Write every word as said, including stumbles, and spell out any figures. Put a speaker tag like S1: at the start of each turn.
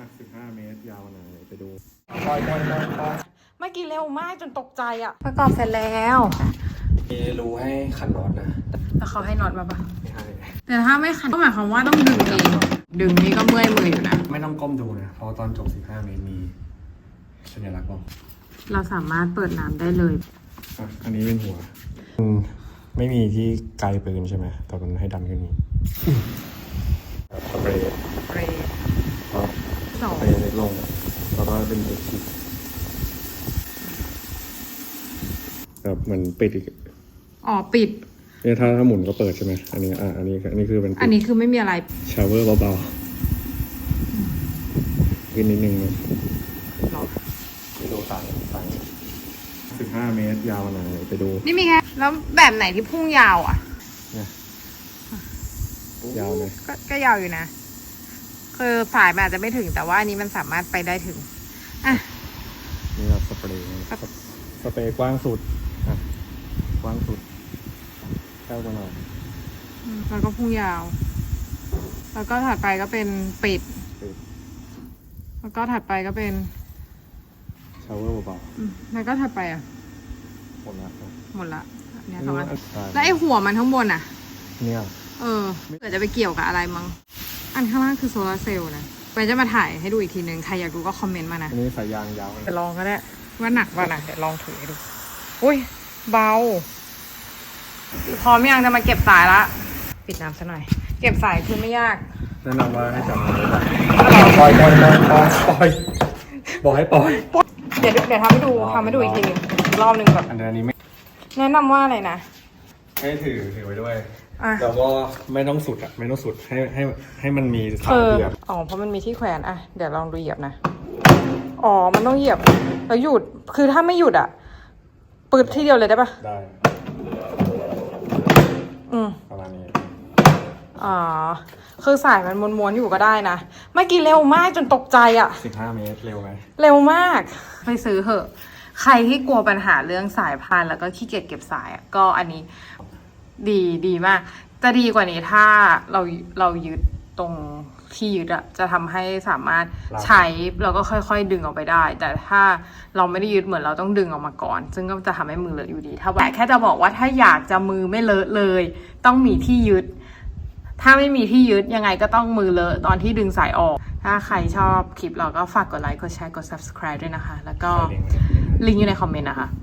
S1: สิบห้าเมตรยาวหน่อยไปดู
S2: ปล่อยปล่อยปล่อยปล่อยเมื่อกี้เร็วมากจนตกใจอ่ะประกอบเสร็จแล้ว
S1: มีรูให้ขันน็อตนะ
S2: แล้วเขาให้น็อตมาปะ
S1: ไม่ให้
S2: แต่ถ้าไม่ขันก็หมายความว่าต้องดึงเองดึงนี่ก็เมื่อยมืออยู่นะ
S1: ไม่ต้องก้มดูนะเพราะตอนจบสิบห้าเมตรมีสัญลักษณ์บอก
S2: เราสามารถเปิดน้ำได้เลย
S1: อ่ะอันนี้เป็นหัวไม่มีที่ไกลปืนใช่ไหมแต่มันให้ดันขึ้นนี้สเปรย์
S2: สเปรย์สอง
S1: สเปรย์เล็กลงแล้วก็เป็นตัวฉีดแบบเหมือนปิดอีก
S2: อ๋อปิด
S1: เนี่ยถ้าถ้าหมุนก็เปิดใช่ไหมอันนี้อ่ะอันนี้อันนี้คือเป็น
S2: อันนี้คือไม่มีอะไร
S1: ชาวเวอร์เบาๆขึ้นนิดนึงนะไปดูต่างต่างสิบห้าเมตรยาวหน่อยไปดู
S2: นี่มีแค่แล้วแบบไหนที่พุ่งยาวอ่ะ
S1: เนี่ยยาวเลย
S2: ก็ก็ยาวอยู่นะคือสายมันอาจจะไม่ถึงแต่ว่าอันนี้มันสามารถไปได้ถึงอ่ะ
S1: นี่เราสเปรย์สเปรย์กว้างสุดอ่ะกว้างสุดเข้ามาหน่อย
S2: แล้วก็พุ่งยาวแล้วก็ถัดไปก็เป็นปิดแล้วก็ถัดไปก็เป็น
S1: ชาวเวอร์เบา
S2: ๆแล้วก็ถัดไปอ่ะ
S1: หมดละ
S2: หมดละเนี่ยสองอันแล้วไอ้หัวมันข้างบนอ่ะ
S1: เนี่ย
S2: เออเกิดจะไปเกี่ยวกับอะไรมั้งอันข้างล่างคือโซลาร์เซลล์นะไปจะมาถ่ายให้ดูอีกทีนึงใครอยากดูก็คอมเมนต์มานะ
S1: อันนี้สายยางยาว
S2: จะลองก็ได้ว่าหนักป่ะนะเดี๋ยวลองถือให้ดูอุ้ยเบาพร้อมยังจะมาเก็บสายละปิดน้ำซะหน่อยเก็บสายคือไม่ยาก
S1: แนะนำว่าให้จับมือปล่อยปล่อยปล่อยปล่อยปล่อยบอกให้ปล่อย
S2: เดี๋ยวเดี๋ยวทำให้ดูทำให้ดูอีกทีนึงรอบนึงแบบ
S1: อันนี้ไม่
S2: แนะนำว่าอะไรนะ
S1: ให้ถือถือไว้ด้วยแล้วก็ไม่ต้องสุดอ่ะไม่ต้องสุดให้ให้ให้มันมีสายเหยียบ
S2: อ๋อเพราะมันมีที่แขวนอ่ะเดี๋ยวลองดูเหยียบนะอ๋อมันต้องเหยียบแล้วหยุดคือถ้าไม่หยุดอ่ะปืดที่เดียวเลยได้ปะ
S1: ได้
S2: อืม
S1: ประมาณนี้
S2: อ๋อคือสายมันม้วนๆอยู่ก็ได้นะเมื่อกี้เร็วมากจนตกใจอ่ะ
S1: สิบห้าเมตรเร็วไหม
S2: เร็วมากไปซื้อเหอะใครที่กลัวปัญหาเรื่องสายพานแล้วก็ขี้เกียจเก็บสายก็อันนี้ดีดีมากจะดีกว่านี้ถ้าเราเรายึดตรงที่ยึดอะจะทำให้สามารถใช้แล้วก็ค่อยๆดึงออกไปได้แต่ถ้าเราไม่ได้ยึดเหมือนเราต้องดึงออกมาก่อนซึ่งก็จะทำให้มือเลอะอยู่ดีถ้าแต่แค่จะบอกว่าถ้าอยากจะมือไม่เลอะเลยต้องมีที่ยึดถ้าไม่มีที่ยึดยังไงก็ต้องมือเลอะตอนที่ดึงสายออกถ้าใครชอบคลิปเราก็ฝากกดไลค์กดแชร์กด ซับสไครบ์ ด้วยนะคะแล้วก็ลิงก์อยู่ในคอมเมนต์นะคะ